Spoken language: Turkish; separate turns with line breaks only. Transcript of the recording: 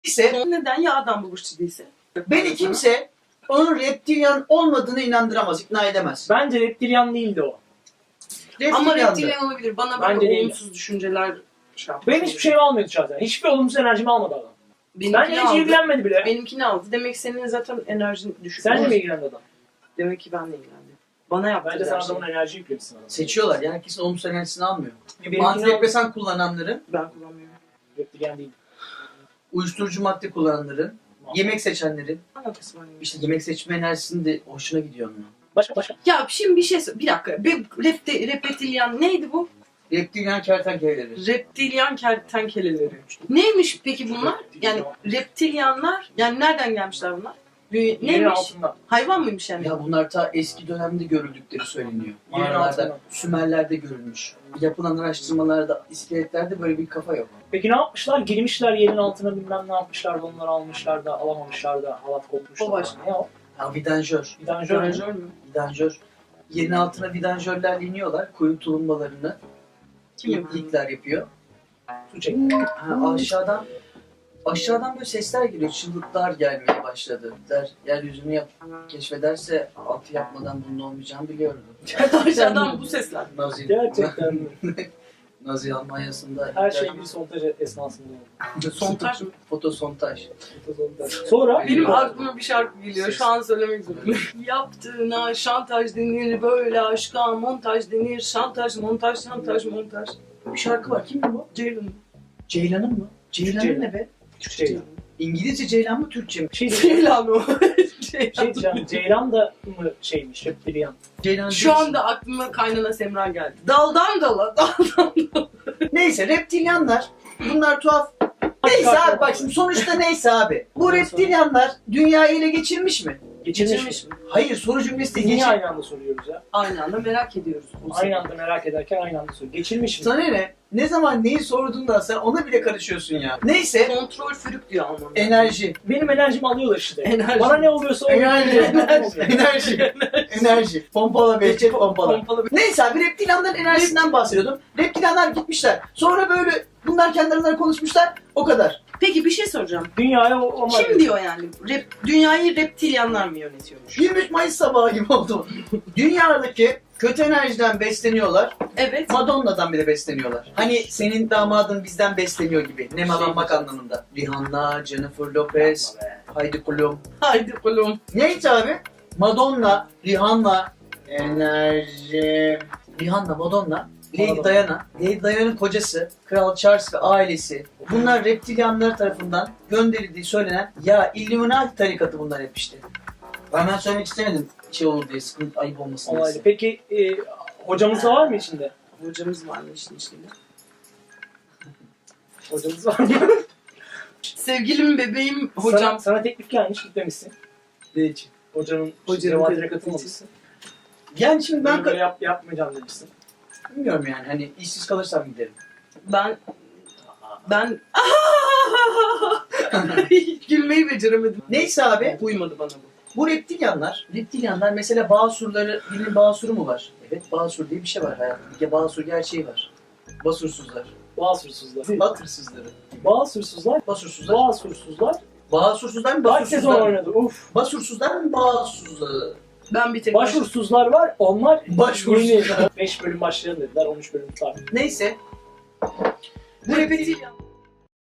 ise
Neden ya adam buluştu değilse?
beni kimse onun reptilyan olmadığını inandıramaz, ikna edemez.
Bence reptilyan değildi o.
Ama
Reptilyandı.
reptilyan olabilir. Bana
Bence
böyle
değil.
olumsuz düşünceler şey yapmış.
Benim hiçbir şeyimi almıyordu şahsen. Hiçbir olumsuz enerjimi almadı adam.
Benimkini
Bence hiç
aldı.
ilgilenmedi bile.
Benimkini aldı. Demek ki senin zaten enerjin düşük.
Sen de mi ilgilendi adam?
Demek ki ben de ilgilendim. Bana yaptı
Bence sen
her şeyi.
adamın enerji yüklemişsin adamı.
Seçiyorlar yani herkesin olumsuz enerjisini almıyor.
Benimkini
Antidepresan kullananların,
Ben kullanmıyorum.
reptilyan değil.
uyuşturucu madde kullananların, yemek seçenlerin,
Alakası var mı?
işte yemek seçme enerjisinin de hoşuna gidiyor onun.
Başka.
Ya şimdi bir dakika. Reptilyan neydi bu?
Reptilyan kertenkeleleri.
Reptilyan kertenkeleleri. Neymiş peki bunlar? Yani reptilyanlar, yani nereden gelmişler bunlar?
Yerin
Neymiş?
altından.
Hayvan mıymış yani?
Ya bunlar ta eski dönemde görüldükleri söyleniyor.
Yerin
Mağaralarda,
altından.
Sümerler'de görülmüş. Yapılan araştırmalarda, iskeletlerde böyle bir kafa yok.
Peki ne yapmışlar? Girmişler yerin altına bilmem ne yapmışlar da onları almışlar da alamamışlar da halat kopmuşlar.
O başka.
Ne o?
Ya vidanjör.
Vidanjör mü?
Vidanjör mü?
Vidanjör. Yerin altına vidanjörlerle iniyorlar. Kuyu tulumbalarını
Kim yapıyor?
ilkler yapıyor.
Su çek.
Ha, aşağıdan böyle sesler geliyor. Çığlıklar gelmeye başladı. Yeryüzünü keşfederse altı yapmadan bunun olmayacağını biliyordu.
Aşağıdan bu sesler.
Nazi.
Gerçekten mi?
Nazi Almanya'sında
Her şey bir sontaj esnasında oldu.
Sontaj mı?
Fotosontaj.
Sonra
Benim aklıma bir şarkı geliyor. Şu an söylemek zorundayım. Yaptığına şantaj denir, böyle aşka montaj denir. Şantaj, montaj, şantaj, montaj.
Bir şarkı var. Kimdi bu?
Ceylan.
Ceylan'ın mı? Ceylan'ın
Ceylan.
ne be?
Türkçe.
İngilizce Ceylan mı Türkçe mi?
Ceylan o.
Şey diyeceğim, Ceylan da mı şeymiş, reptilyan?
Ceylan
Şu anda aklıma kaynana Semra geldi. Daldan dala, daldan dala.
Neyse reptilyanlar. Bunlar tuhaf. Neyse abi bak şimdi sonuçta neyse abi. Bu reptilyanlar dünyayı ele geçirmiş mi?
Geçirmiş mi?
Hayır soru cümlesi
Biz
değil.
niye aynı anda soruyoruz ya?
Aynı anda merak ediyoruz.
Aynı anda merak ederken aynı anda soruyoruz. Geçirmiş mi?
Sana ne? Ne zaman neyi sorduğunda sen ona bile karışıyorsun ya. Neyse
Kontrol fürük diyor Almanlar.
enerji.
Benim enerjimi alıyorlar işte.
Enerji.
Bana ne oluyorsa o
Enerji.
enerji.
Enerji. Enerji. Pompala Behçet pompala.
Pompalı bir-
Neyse abi reptilyanların enerjisinden bahsediyordum. Reptilyanlar gitmişler. Sonra böyle bunlar kendi aralarında konuşmuşlar. O kadar.
Peki bir şey soracağım.
Dünyaya o
Kim diyor yani? Dünyayı reptilyanlar mı yönetiyormuş?
23 Mayıs sabahı gibi oldu. Dünyadaki kötü enerjiden besleniyorlar.
Evet.
Madonna'dan bile besleniyorlar. Hani senin damadın bizden besleniyor gibi. Nemalanmak
Şey-
anlamında. Rihanna, Jennifer Lopez, Heidi Klum.
Haydi oğlum.
Neydi abi? Madonna, Rihanna, enerji... Rihanna, Madonna, Lady
Madonna.
Diana, Lady Diana'nın kocası, Kral Charles ve ailesi. Bunlar reptilyanlar tarafından gönderildiği söylenen ya Illuminati tarikatı bunlar hep işte. Ben söylemek istemedim şey olur diye, sıkıntı ayıp olmasın diye.
Olaylı. Peki hocamız da var mı içinde?
Hocamız var mı işin içinde?
Hocamız var mı?
Sevgilim, bebeğim, hocam.
Sana teklif gelmiş gitmemişsin.
Ne için?
Hocanın
Hocanın
cevatine
teklifi
katılmamışsın.
Yani şimdi ben
Böyle yapmayacağım demişsin.
bilmiyorum yani hani işsiz kalırsam giderim.
Ben hiç gülmeyi beceremedim.
Neyse abi
Uymadı bana bu.
bu reptilyanlar mesela Bağsurları, dilin Bağsuru mu var? Evet Bağsur diye bir şey var hayatım. Bir Bağsur gerçeği var. Basursuzlar.
Bağsursuzlar.
Batırsızları.
Bağsursuzlar.
Basursuzlar.
Bağsursuzlar.
Basursuzlar mı
Kaç sezon
basursuzlar mı?
oynadı? Uf.
Basursuzlar mı bağsursuzlar?
Ben bir tek
Başvursuzlar var. Onlar
Başvursuzlar.
5 bölüm başlayalım dediler. 13 bölüm tutar.
Neyse.
Bu reptilyan.